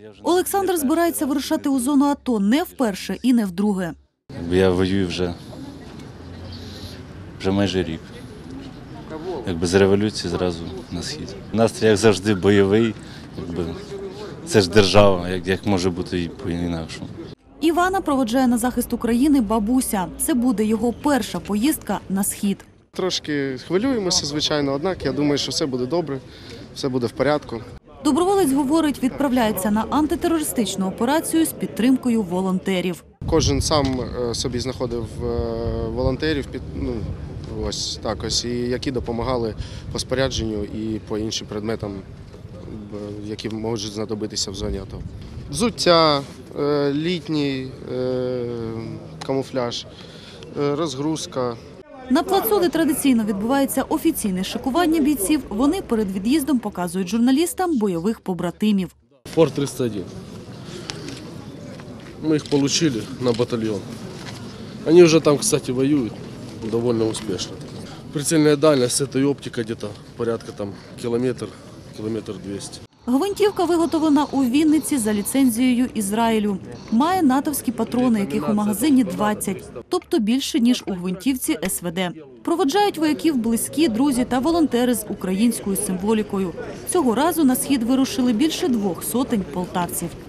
Олександр збирається вирушати у зону АТО не вперше і не вдруге. Я воюю вже майже рік. З революції зразу на схід. Настрій, як завжди, бойовий. Це ж держава, як може бути і по-інакшому. Івана проводжає на захист України бабуся. Це буде його перша поїздка на схід. Трошки хвилюємося, звичайно, однак я думаю, що все буде добре, все буде в порядку. Доброволець говорить, відправляється на антитерористичну операцію з підтримкою волонтерів. Кожен сам собі знаходив волонтерів, ось так ось, і які допомагали по спорядженню і по іншим предметам, які можуть знадобитися в зоні АТО. Взуття, літній камуфляж, розгрузка. На плацу, де традиційно відбувається офіційне шикування бійців, вони перед від'їздом показують журналістам бойових побратимів. Форт 301. Мы их получили на батальон. Они уже там, кстати, воюют довольно успешно. Прицельная дальность с этой оптикой где-то порядка километр 200. Гвинтівка виготовлена у Вінниці за ліцензією Ізраїлю. Має натовські патрони, яких у магазині 20, тобто більше, ніж у гвинтівці СВД. Проводжають вояків близькі, друзі та волонтери з українською символікою. Цього разу на схід вирушили більше 200 полтавців.